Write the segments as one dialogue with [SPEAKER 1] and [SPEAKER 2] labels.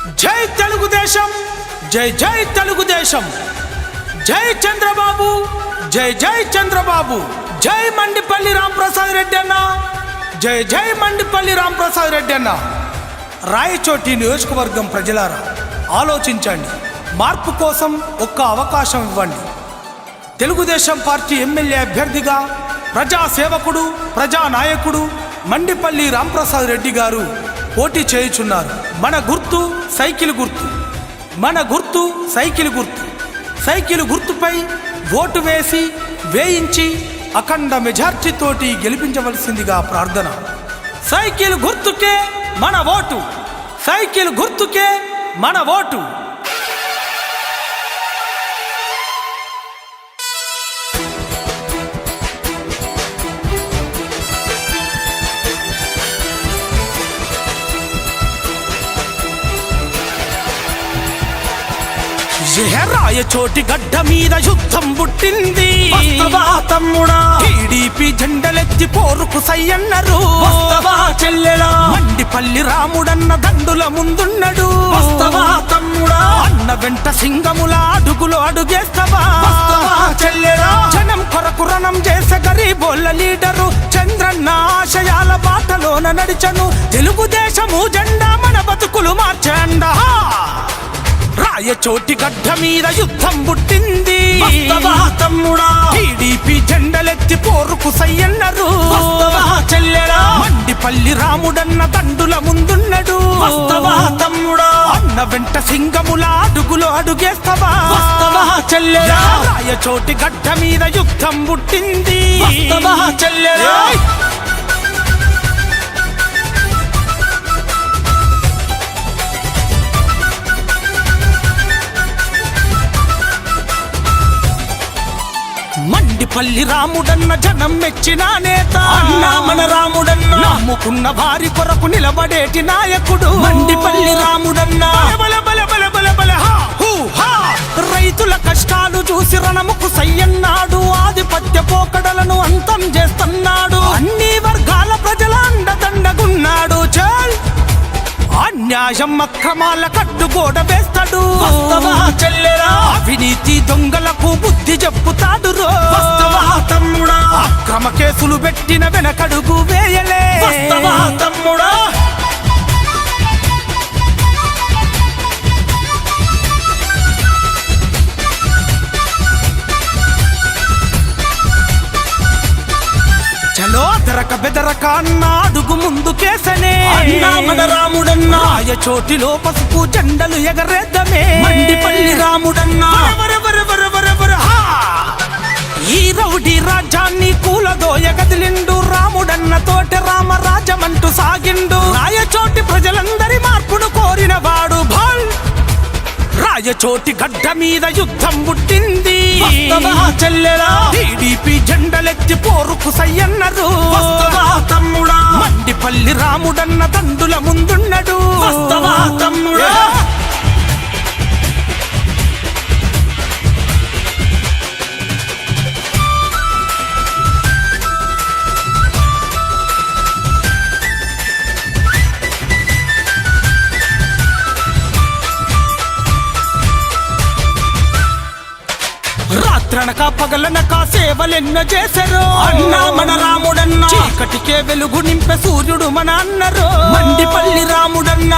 [SPEAKER 1] జై తెలుగుదేశం, జై జై తెలుగుదేశం, జై చంద్రబాబు, జై జై చంద్రబాబు, జై మండిపల్లి రాంప్రసాద్ రెడ్డి అన్న, జై జై మండిపల్లి రాంప్రసాద్ రెడ్డి అన్న. రాయచోటి నియోజకవర్గం ప్రజలారా, ఆలోచించండి. మార్పు కోసం ఒక్క అవకాశం ఇవ్వండి. తెలుగుదేశం పార్టీ ఎమ్మెల్యే అభ్యర్థిగా ప్రజాసేవకుడు, ప్రజానాయకుడు మండిపల్లి రాంప్రసాద్ రెడ్డి గారు పోటీ చేయుచున్నారు. మన గుర్తు సైకిల్ గుర్తు, మన గుర్తు సైకిల్ గుర్తు. సైకిల్ గుర్తుపై ఓటు వేయించి అఖండ మెజార్టీతోటి గెలిపించవలసిందిగా ప్రార్థన. సైకిల్ గుర్తుకే మన ఓటు, సైకిల్ గుర్తుకే మన ఓటు. రాయచోటి గడ్డ మీద యుద్ధం పుట్టింది తమ్ముడా. టీడీపీ జెండలెత్తి పోరుకు సయ్యన్నరు చెల్లెలా. మండిపల్లి రాముడన్న దండుల ముందున్నడు తమ్ముడా. అన్న వెంట సింగముల అడుగులో అడుగేస్తవా చెల్లెలా. జనం కొరకు రణం చేసే గరీబోళ్ళ లీడరు చంద్రన్న ఆశయాల బాటలోన నడిచను. తెలుగుదేశము జెండా మన బతుకులు మార్చండా. రాయచోటి గడ్డ మీద యుద్ధం పుట్టింది తమ్ముడా. టీడీపీ జెండలెత్తి పోరుకు సయ్యన్నరు చెల్లెలా. మండిపల్లి రాముడన్న దండుల ముందున్నడు తమ్ముడా. అన్న వెంట సింగముల అడుగులో అడుగేస్తవా చెల్లెలా. రాయచోటి గడ్డ మీద యుద్ధం పుట్టింది చెల్లెలా. మండిపల్లి రాముడన్న జనం మెచ్చిన నేత. అన్నా మన రాముడన్న నమ్ముకున్న వారి కొరకు నిలబడేటి నాయకుడు మండిపల్లి రాముడన్న. రైతుల కష్టాలు చూసి రణముకు సయ్యన్నాడు. ఆధిపత్య పోకడలను అంతం చేస్తున్నాడు. అన్ని వర్గాల ప్రజల అండదండగున్నాడు. చల్ అన్యాయం అక్రమాల కట్టుగోడ వేస్తాడు చెల్లెరా. అవినీతి దొంగలకు బుద్ధి చెప్పుతాడు తమ్ముడా. అక్రమ కేసులు పెట్టిన వెనకడుగు వేయలే తమ్ముడా. చలో అదరక బెదరక అన్న అడుగు ముందుకేసనే మన రాముడన్న. రాయచోటిలో పసుపు జెండలు ఎగరేద్దామే మండిపల్లి రాముడన్న. ఈ రౌడీ రాజ్యాన్ని కూలదోయ గదిలిండు రాముడన్న తోటి రామరాజమంటూ సాగిండు. రాయచోటి ప్రజలందరి మార్పును కోరిన వాడు భాల్. రాయచోటి గడ్డ మీద యుద్ధం పుట్టింది చెల్లెలా. టీడీపీ జెండలెత్తి పోరుకు సయ్యన్నరు తమ్ముడా. మండిపల్లి రాముడన్న దండుల ముందున్నడు తమ్ముడా. రాత్రనక పగలనక సేవలెన్నో చేశారు అన్నా మన రాముడన్న. చీకటికే వెలుగు నింపే సూర్యుడు మన అన్నరు మండిపల్లి రాముడన్న.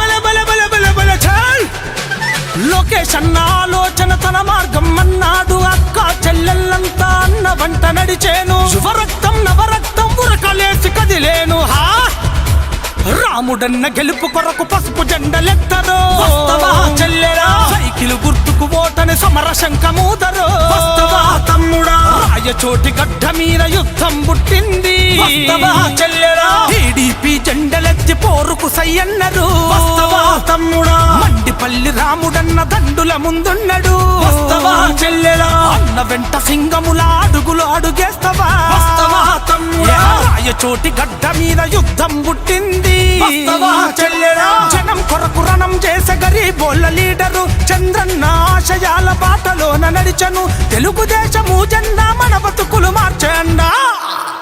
[SPEAKER 1] లోకేష్ అన్న ఆలోచన తన మార్గం అన్నాడు. అక్క చెల్లెళ్ళంతా అన్న వంట నడిచేను. శుభరక్తం నవరక్తం ఉరకలేసి కదిలేను. రాముడన్న గెలుపు కొరకు పసుపు జెండలెత్తరు చెల్లెలా. సైకిల్ గుర్తుకు ఓటని సమర శంఖమూదరు తమ్ముడా. రాయచోటి గడ్డ మీద యుద్ధం పుట్టింది చెల్లెలా. టీడీపీ జెండలెత్తి పోరుకు సయ్యన్నరు తమ్ముడా. మండిపల్లి రాముడన్న దండుల ముందున్నడు చెల్లెలా. అన్న వెంట సింగముల అడుగులో అడుగేస్తవా తమ్ముడా. రాయచోటి గడ్డ మీద యుద్ధం పుట్టింది చెల్లెలా. జనం కొరకు రణం చేసే గరీబోళ్ళ లీడరు చంద్రన్న ఆశయాల బాటలోన నడిచను. తెలుగుదేశము జెండా మన బతుకులు మార్చండా.